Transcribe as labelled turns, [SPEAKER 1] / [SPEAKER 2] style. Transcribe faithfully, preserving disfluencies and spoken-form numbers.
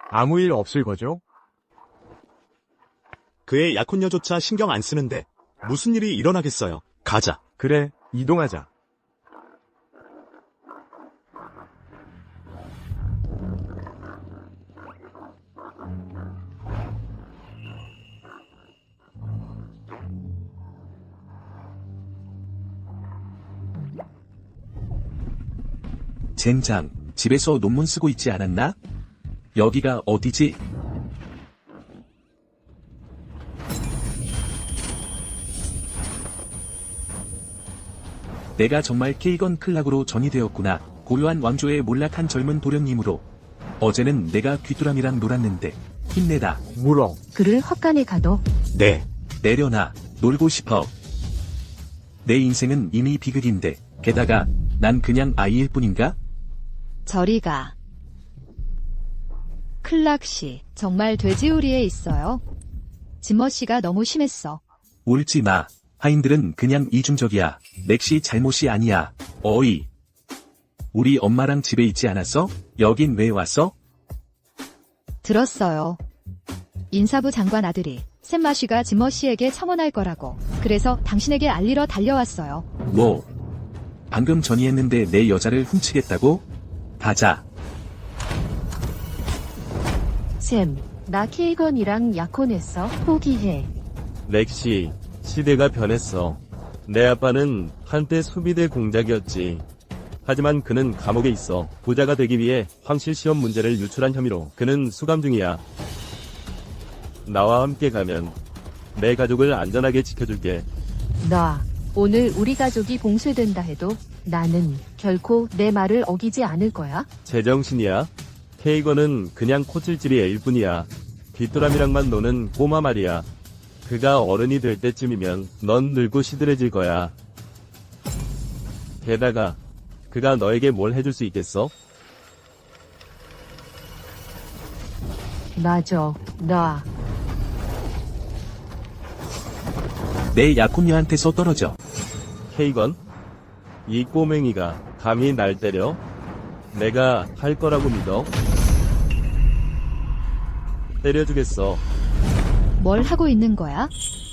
[SPEAKER 1] 아무 일 없을 거죠?
[SPEAKER 2] 그의 약혼녀조차 신경 안 쓰는데 무슨 일이 일어나겠어요. 가자.
[SPEAKER 1] 그래, 이동하자.
[SPEAKER 3] 젠장, 집에서 논문 쓰고 있지 않았나? 여기가 어디지? 내가 정말 케이건 클락으로 전이되었구나. 고요한 왕조의 몰락한 젊은 도련님으로. 어제는 내가 귀뚜라미랑 놀았는데 힘내다.
[SPEAKER 1] 물어.
[SPEAKER 4] 그를 헛간에 가둬.
[SPEAKER 2] 네.
[SPEAKER 3] 내려놔. 놀고 싶어. 내 인생은 이미 비극인데 게다가 난 그냥 아이일 뿐인가?
[SPEAKER 5] 저리 가. 클락씨, 정말 돼지우리에 있어요. 지머씨가 너무 심했어.
[SPEAKER 3] 울지 마. 하인들은 그냥 이중적이야. 넥시 잘못이 아니야. 어이. 우리 엄마랑 집에 있지 않았어? 여긴 왜 왔어?
[SPEAKER 5] 들었어요. 인사부 장관 아들이 샘마쉬가 지머씨에게 청혼할 거라고. 그래서 당신에게 알리러 달려왔어요.
[SPEAKER 3] 뭐? 방금 전이했는데 내 여자를 훔치겠다고? 가자.
[SPEAKER 4] 샘, 나 케이건이랑 약혼했어. 포기해.
[SPEAKER 6] 렉시, 시대가 변했어. 내 아빠는 한때 수비대 공작이었지. 하지만 그는 감옥에 있어. 부자가 되기 위해 황실 시험 문제를 유출한 혐의로 그는 수감 중이야. 나와 함께 가면 내 가족을 안전하게 지켜줄게.
[SPEAKER 4] 나, 오늘 우리 가족이 봉쇄된다 해도 나는 결코 내 말을 어기지 않을 거야.
[SPEAKER 6] 제정신이야? 케이건은 그냥 코찔찔이 애일 뿐이야. 귀뚜라미랑만 노는 꼬마 말이야. 그가 어른이 될 때쯤이면 넌 늙고 시들해질 거야. 게다가 그가 너에게 뭘 해줄 수 있겠어?
[SPEAKER 4] 맞아, 나.
[SPEAKER 3] 내 약혼녀한테서 떨어져.
[SPEAKER 6] 케이건? 이 꼬맹이가 감히 날 때려? 내가 할 거라고 믿어? 때려주겠어.
[SPEAKER 5] 뭘 하고 있는 거야?